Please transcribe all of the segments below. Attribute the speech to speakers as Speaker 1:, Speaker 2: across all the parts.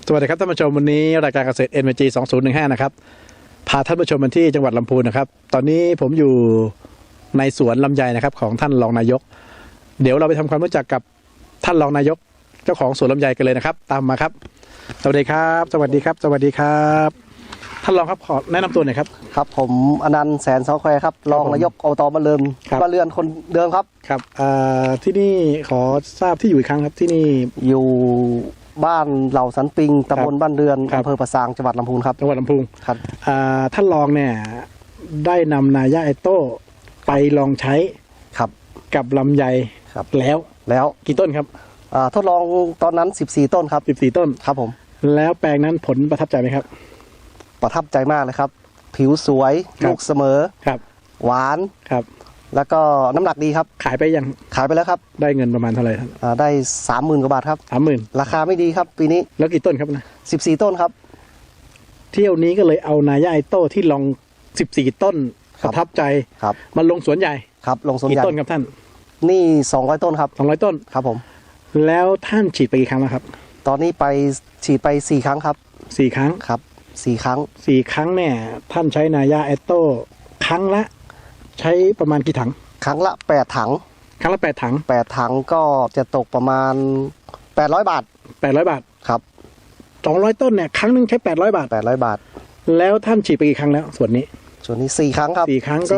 Speaker 1: สวัสดีครับท่านผู้ชมวันนี้รายการเกษตร NVG 2015นะครับพาท่านผู้ชมมาที่จังหวัดลำพูนนะครับตอนนี้ผมอยู่ในสวนลำไยนะครับของท่านรองนายกเดี๋ยวเราไปทำความรู้จักกับท่านรองนายกเจ้าของสวนลำไยกันเลยนะครับตามมาครับสวัสดีครับสวัสดีครับสวัสดีครับท่านรองครับขอแนะนำตัวหน่อยครับ
Speaker 2: ครับผมอนันต์แสนสอแควครับรองนายกอบตบ้านเรือนคนเดิมครับ
Speaker 1: ครับที่นี่ขอทราบที่อยู่อีกครั้งครับที่นี่
Speaker 2: อยู่บ้านเหล่าสันปิงตำบลบ้านเรือนอำเภอปะซางจังหวัดลำพูนครับ
Speaker 1: จังหวัดลำพูน
Speaker 2: ครับ
Speaker 1: ท่านรองเนี่ยได้นำนายาไอโต้ไปลองใช้
Speaker 2: ครับ
Speaker 1: กับลำไย
Speaker 2: ครับ
Speaker 1: แล้วกี่ต้นครับ
Speaker 2: ทดลองตอนนั้น14ต้นครับ
Speaker 1: 14ต้น
Speaker 2: ครับผม
Speaker 1: แล้วแปลงนั้นผลประทับใจไหมครับ
Speaker 2: ประทับใจมากเลยครับผิวสวยลูกเสมอ
Speaker 1: ครับ
Speaker 2: หวาน
Speaker 1: ครับ
Speaker 2: แล้วก็น้ำหนักดีครับ
Speaker 1: ขายไปยัง
Speaker 2: ขายไปแล้วครับ
Speaker 1: ได้เงินประมาณเท่าไหร่ครับ
Speaker 2: ได้30,000 กว่าบาทครับ
Speaker 1: 30,000
Speaker 2: ราคาไม่ดีครับปีนี้
Speaker 1: แล้วกี่ต้นครับนะ
Speaker 2: 14ต้นครับ
Speaker 1: เที่ยวนี้ก็เลยเอานายาไอโต้ที่ลอง14ต้นประทับใจ
Speaker 2: ครับ
Speaker 1: มาลงสวนใหญ่
Speaker 2: ครับลงสวนใหญ่
Speaker 1: กี่ต้นครับท่าน
Speaker 2: นี่200ต้นครับ
Speaker 1: 200ต้น
Speaker 2: ครับผม
Speaker 1: แล้วท่านฉีดไปกี่ครั้งแล้วครับ
Speaker 2: ตอนนี้ไปฉีดไป4ครั้งครับ
Speaker 1: 4ครั้ง
Speaker 2: ครับ4ครั้ง
Speaker 1: เนี่ยท่านใช้นายาไอโต้ครั้งละใช้ประมาณกี่ถัง
Speaker 2: ครั้งละ8ถัง
Speaker 1: ครั้งละ8ถัง
Speaker 2: 8ถังก็จะตกประมาณ800 บาท
Speaker 1: 800 บาท
Speaker 2: ครับ
Speaker 1: 200ต้นเนี่ยครั้งนึงใช้800 บาท
Speaker 2: 800 บาท
Speaker 1: แล้วท่านฉีดไปกี่ครั้งแล้วส่วนนี้
Speaker 2: 4ครั้งครับ
Speaker 1: 4ครั้งก็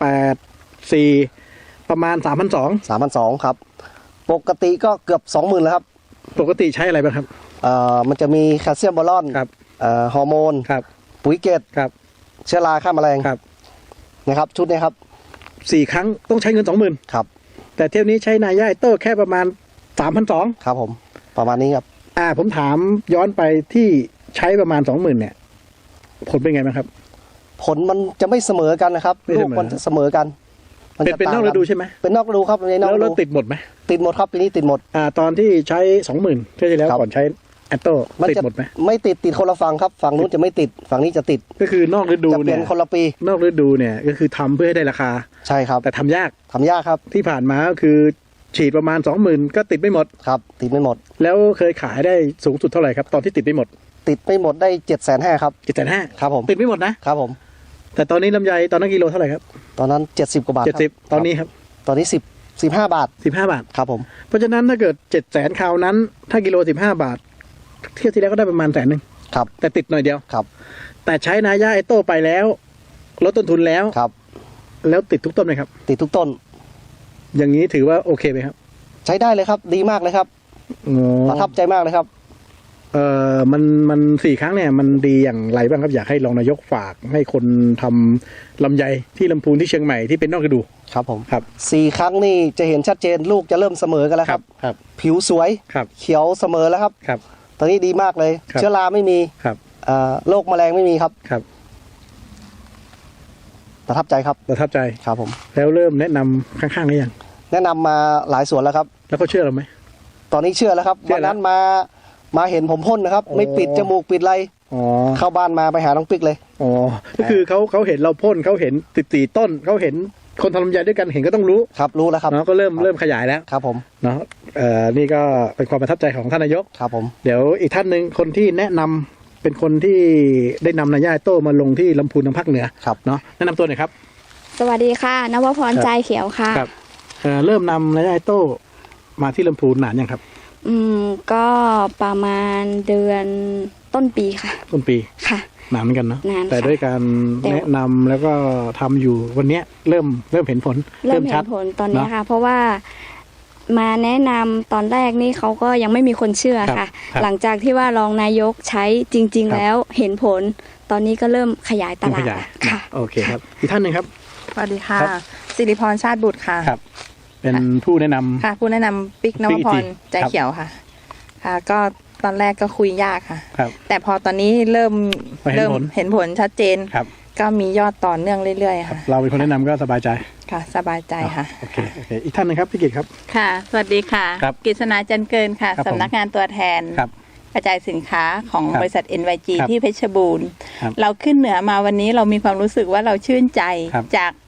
Speaker 1: 8 4ประมาณ 3,200
Speaker 2: ครับปกติก็เกือบ 20,000แล้วครับ
Speaker 1: ปกติใช้อะไรบ้างครับ
Speaker 2: มันจะมีแคลเซียมบอรอน
Speaker 1: ครับ
Speaker 2: ฮอร์โมน
Speaker 1: ครับ
Speaker 2: ปุ๋ยเกต
Speaker 1: ครับ
Speaker 2: เชื้อราฆ่าแมลง
Speaker 1: ครับ
Speaker 2: นะครับชุดนี้ครับ
Speaker 1: 4ครั้งต้องใช้เงิน 20,000
Speaker 2: ครับ
Speaker 1: แต่เที่ยวนี้ใช้นายาไอโต้แค่ประมาณ 3,200
Speaker 2: ครับผมประมาณนี้ครับ
Speaker 1: ผมถามย้อนไปที่ใช้ประมาณ 20,000เนี่ยผลเป็นไงบ้างครับ
Speaker 2: ผลมันจะไม่เสมอกันนะครับลูกมันจะเสมอกัน
Speaker 1: เป็นนอกฤดูใช่ไหม
Speaker 2: เป็นนอกฤดูครับ
Speaker 1: แล้วติดหมดไหม
Speaker 2: ติดหมดครับปีนี้ติดหมด
Speaker 1: ตอนที่ใช้ 20,000เที่ยวที่แล้วก่อนใช้แอตโต้ติดหมดไหม
Speaker 2: ไม่ติดคนละฝั่งครับฝั่งนู้นจะไม่ติดฝั่งนี้จะติด
Speaker 1: ก็คือนอกฤดูเนี่ย
Speaker 2: คนละปี
Speaker 1: นอกฤดูเนี่ยก็คือทำเพื่อให้ได้ราคา
Speaker 2: ใช่ครับ
Speaker 1: แต่ทำยาก
Speaker 2: ครับ
Speaker 1: ที่ผ่านมาก็คือฉีดประมาณ 20,000ก็ติดไม่หมด
Speaker 2: ครับติดไม่หมด
Speaker 1: แล้วเคยขายได้สูงสุดเท่าไหร่ครับตอนที่ติดไม่หมด
Speaker 2: ได้750,000ครับ
Speaker 1: 750,000
Speaker 2: ครับผม
Speaker 1: ติดไม่หมดนะครับ
Speaker 2: ผม
Speaker 1: แต่ตอนนี้ลำไยตอนนั้นกิโลเท่าไหร่ครับ
Speaker 2: ตอนนั้น70 กว่าบาท
Speaker 1: 70ตอนนี้ครับ
Speaker 2: ตอนนี้15 บาทครับผม
Speaker 1: เพราะฉะนั้นถ้าเกิด700,000คราวนั้นถ้ากิโล15 บาทเที่ยวที่แล้วก็ได้ประมาณ100,000
Speaker 2: ครับ
Speaker 1: แต่ติดหน่อยเดียว
Speaker 2: ครับ
Speaker 1: แต่ใช้นายาไอโต้ไปแล้วลดต้นทุนแล้ว
Speaker 2: ครับ
Speaker 1: แล้วติดทุกต้นไหมครับ
Speaker 2: ติดทุกต้น
Speaker 1: อย่างนี้ถือว่าโอเคไหมครับ
Speaker 2: ใช้ได้เลยครับดีมากเลยครับประทับใจมากเลยครับ
Speaker 1: มัน4ครั้งเนี่ยมันดีอย่างไรบ้างครับอยากให้รองนายกฝากให้คนทำลำไยที่ลำพูนที่เชียงใหม่ที่เป็นนอกฤดู
Speaker 2: ครับผมครับ4ครั้งนี่จะเห็นชัดเจนลูกจะเริ่มเสมอกันแล้วครับผิวสวยเขียวเสมอแล้วครับตอนนี้ดีมากเลยเชื้อราไม่มีโรคแมลงไม่มีครับประทับใจครับผม
Speaker 1: แล้วเริ่มแนะนำข้างๆหรือยัง
Speaker 2: แนะนำมาหลายสวนแล้วครับ
Speaker 1: แล้วเขาเชื่อเราไหม
Speaker 2: ตอนนี้เชื่อแล้วครับวันนั้นมาเห็นผมพ่นนะครับไม่ปิดจมูกปิดไรเข้าบ้านมาไปหาน้องปิ๊กเลย
Speaker 1: ก็คือเขาเห็นเราพ่นเขาเห็น14ต้นเขาเห็นคนทำลำไยด้วยกันเห็นก็ต้องรู้
Speaker 2: ครับรู้แล้วครับ
Speaker 1: ก็เริ่มขยายแล้ว
Speaker 2: ครับผม
Speaker 1: เนาะนี่ก็เป็นความประทับใจของท่านนายก
Speaker 2: ครับผม
Speaker 1: เดี๋ยวอีกท่านหนึ่งคนที่แนะนำเป็นคนที่ได้นำนายาไอโต้มาลงที่ลำพูนทางภาคเหนือเนาะแนะนำตัวหน่อยครับ
Speaker 3: สวัสดีค่ะนวพรใจเขียวค่ะ
Speaker 1: ครับเริ่มนำนายาไอโต้มาที่ลำพูนนานยังครับ
Speaker 3: ก็ประมาณเดือนต้นปีค่ะ
Speaker 1: ต้นปี
Speaker 3: ค่ะ
Speaker 1: นานเหมือนกันเนาะแต่ด้วยการแนะนำแล้วก็ทำอยู่วันนี้เริ่มเห็นผล
Speaker 3: เห็นผลตอนนี้ค่ะเพราะว่ามาแนะนำตอนแรกนี่เขาก็ยังไม่มีคนเชื่อค่ะหลังจากที่ว่ารองนายกใช้จริงๆแล้วเห็นผลตอนนี้ก็เริ่มขยายตลาดค่ะ
Speaker 1: โอเคครับอีกท่านหนึ่งครับ
Speaker 4: สวัสดีค่ะสิริพรชาติบุตรค่ะ
Speaker 1: เป็นผู้แนะนำ
Speaker 4: ค่ะผู้แนะนำปิ๊กนวพรใจเขียวค่ะก็ตอนแรกก็คุยยากค่ะแต่พอตอนนี้เริ่มเห็นผลชัดเจนก็มียอดต่อเนื่องเรื่อยๆค่ะ
Speaker 1: เราเป็นคนแนะนำก็สบายใจ
Speaker 4: ค่ะสบายใจค่ะ
Speaker 1: โอเคอีกท่านนึงครับพี่กิตครับ
Speaker 5: ค่ะสวัสดีค่ะกฤษณาจันเกินค่ะสำนักงานตัวแทนกระจายสินค้าของบริษัท NYG ที่เพชรบูรณ์เราขึ้นเหนือมาวันนี้เรามีความรู้สึกว่าเราชื่นใจจาก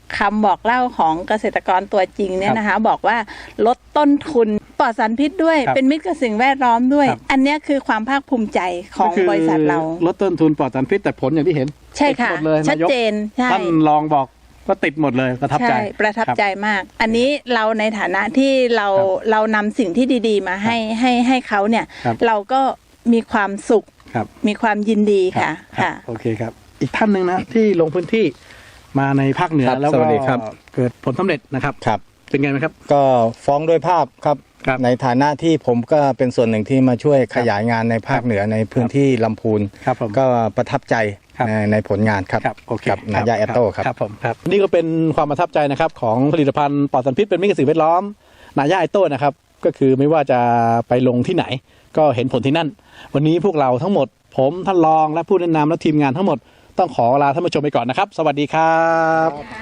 Speaker 5: คำบอกเล่าของเกษตรกรตัวจริงเนี่ยนะคะบอกว่าลดต้นทุนปลอดสารพิษด้วยเป็นมิตรกับสิ่งแวดล้อมด้วยอันนี้คือความภาคภูมิใจของบริษัทเรา
Speaker 1: ลดต้นทุนปลอดสารพิษแต่ผลอย่างที่เห็น
Speaker 5: ใช่ค่ะชัดเจนใช่
Speaker 1: ท่านรองบอกก็ติดหมดเลยประทับใจ
Speaker 5: ประทับใจมากอันนี้เราในฐานะที่เรานำสิ่งที่ดีๆมาให้เขาเนี่ยเราก็มีความสุขมีความยินดีค่ะ
Speaker 1: โอเคครับอีกท่านหนึ่งนะที่ลงพื้นที่มาในภาคเหนือแล้วก็เกิดผลสำเร็จนะครับเป็นไงไหมครับ
Speaker 6: ก็ฟ้องด้วยภาพครับในฐานะที่ผมก็เป็นส่วนหนึ่งที่มาช่วยขยายงานในภาคเหนือในพื้นที่ลำพูนก็ประทับใจในผลงานครับกับนายาแอตโต้ครับ
Speaker 1: ผมครับนี่ก็เป็นความประทับใจนะครับของผลิตภัณฑ์ปลอดสารพิษเป็นมิตรกับสิ่งแวดล้อมนายาแอตโต้นะครับก็คือไม่ว่าจะไปลงที่ไหนก็เห็นผลที่นั่นวันนี้พวกเราทั้งหมดผมท่านรองและผู้แนะนำและทีมงานทั้งหมดต้องขอลาท่านผู้ชมไปก่อนนะครับสวัสดีครับ